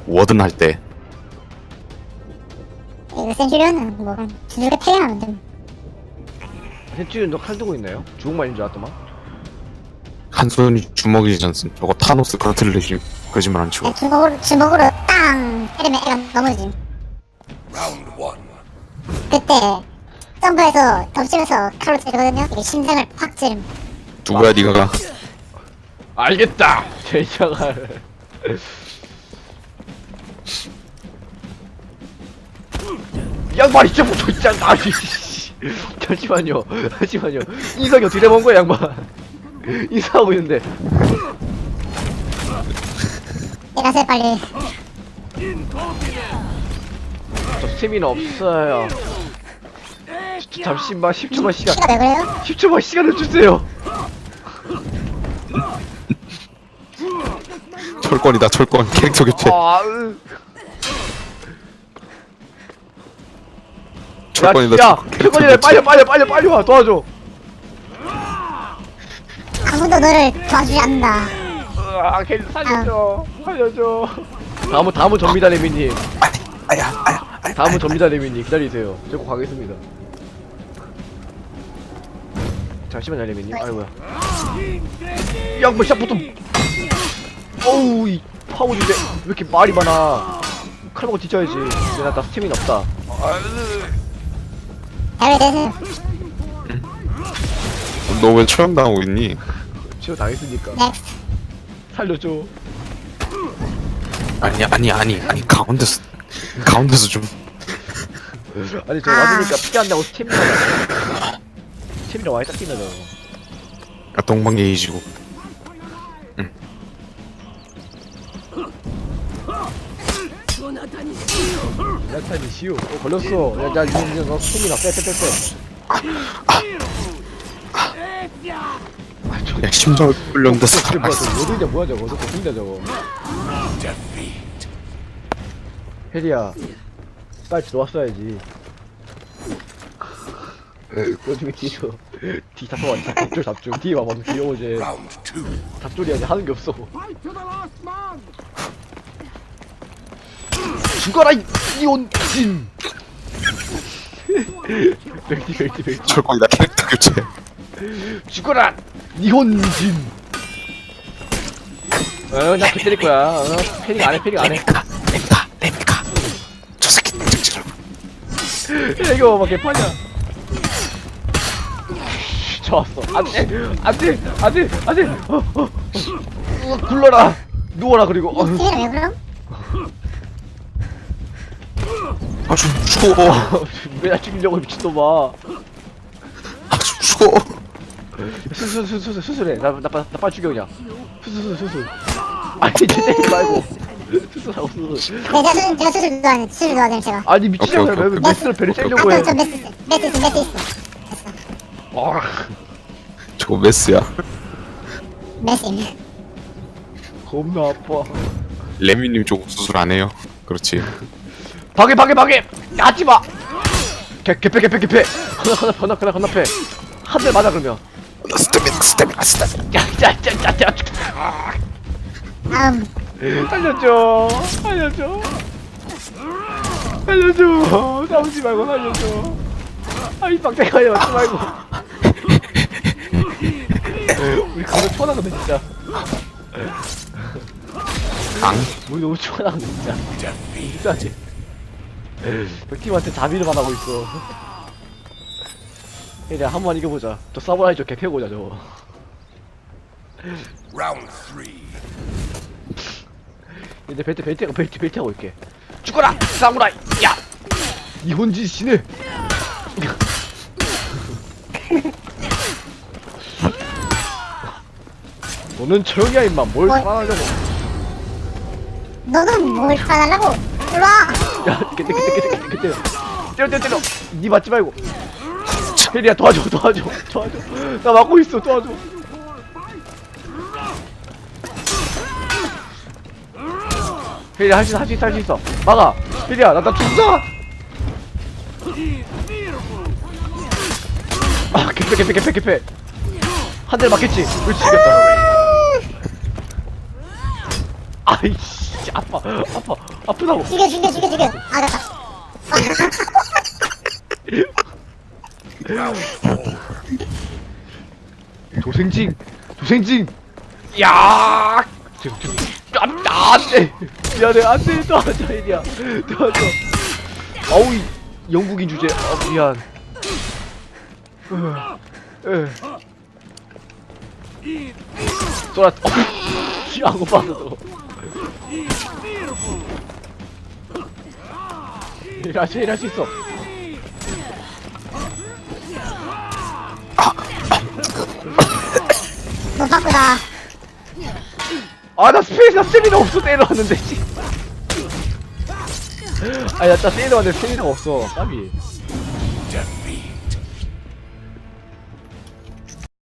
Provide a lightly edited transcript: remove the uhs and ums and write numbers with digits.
워든 할 때. 이거 센츄리언은 뭐 두들겨 패기만 좀. 센츄리언 너칼 들고 있나요? 주먹만인 줄 알았더만. 한 손이 주먹이지 않습. 저거 타노스 그렇들리지 거짓말 안 치고. 주먹으로 땅 때리면 애가 넘어짐. 그때 점프해서 덮치면서 칼로 찌르거든요. 이게 심장을 확 찌름. 누구야 니가? 알겠다. 제자갈. 양반 진짜 뭐 진짜 아니. 잠시만요. 인상이 어떻게 돼본 거야 양반? 인사하고 있는데. 일하세요 빨리. 저 스태미나 없어요. 잠시만 10초만 시간. 키가 왜 그래요? 10초만 시간을 주세요. 철권이다 철권. 캐릭터 교체. 철권이다 야, 철권. 캐릭터 철권이래. 교체. 빨리 와 도와줘. 아무도 너를 도와주지 않는다. 캐릭터 살려줘. 다음은 접니다 레미님. 아야. 다음은 접니다 레미님. 기다리세요. 저 꼭 가겠습니다. 잠시만요 레미님. 아이고야. 야뭐 시작부터. 어우 이 파워인데 왜 이렇게 말이 많아. 칼 먹고 뒤져야지. 근데 나 스태미나 없다. 대회 되세요. 너 왜 처형 당하고 있니? 치료 당했으니까. 넥스트. 살려줘. 아니 가운데서 좀. 아니 저 맞으니까 피가 안 나고 스태미나 와이 딱 뛰나 저거. 아, 동방예의지고. 나타니 시우. 걸렸어. 야 너 스태미나 빼. 야 심장을 끌렸는데 저게 뭐야 저거 어디냐 뭐야 저거 저거 보인다 저거. 혜리야 빨리 들어왔어야지. 요즘에 뒤로 뒤 잡아봐. 잡줄 뒤에 와봐. 귀여워지. 잡줄이 아니 하는 게 없어. 죽어라 이온진. 벨티. 철권이다 캐릭터 교체. 죽어라 니혼진. 나 때릴 거야. 패닉 안 해. 레미카. 저 새끼 ጭጭ. 이거 막 개판이야. 좋았어. 안돼. 굴러라. 누워라 그리고. 넥스트는 왜 그럼? 아좀 죽어. 왜나 죽이려고 미친놈아. 아좀 죽어. 수술해. 나 빨리 죽여 그냥. 수술. 아니 쟤 때리지 말고. 수술하고 수술. 네, 제가 수술 도와드림 제가. 아니 미친놈아. 오케이. 왜 메스를 배를 째려고 해. 저 메스 있어. 아, 저거 메스야. 메스. 겁나 아파. 레미님 저거 수술 안 해요. 그렇지. 방해. 하지마. 개패. 건너패. 한 대 맞아 그러면. 스태미나. 야. 살려줘. 싸우지 말고 살려줘. 아이 빡대가리 맞지 말고. 우리 그거 초원하거든 진짜. 우리 너무 초원하거든 진짜. 진짜지. 백팀한테 자비를 받아고 있어. 이제 한번 이겨보자. 저 사무라이 저 개패고자 저거. 이제 벨트 하고 있게. 죽어라 사무라이. 야 이혼진 씨네. 너는 조용히야 임마. 뭘 살아나려고. 너는 뭘 살아나려고? 일로와. 야 그때 때려. 니 맞지 말고. 혜리야 도와줘. 나 막고 있어. 도와줘. 혜리야 할 수 있어. 막아. 혜리야 나 죽자. 아 개패. 한 대 맞겠지. 그렇지 이겼다. 아이씨. 아프다고. 죽여. 아, 됐다. 도생징. 야! 안돼. 미안해, 안돼. 도와줘, 이리야. 도와줘. 아우, 이 영국인 주제. 미안. 쏘라. 안 고파서. 일할 수 있어. 못 바꾸다. 나 스테미나 없어. 때려왔는데, 씨. 나 스테미나 왔는데 스테미나가 없어. 까비.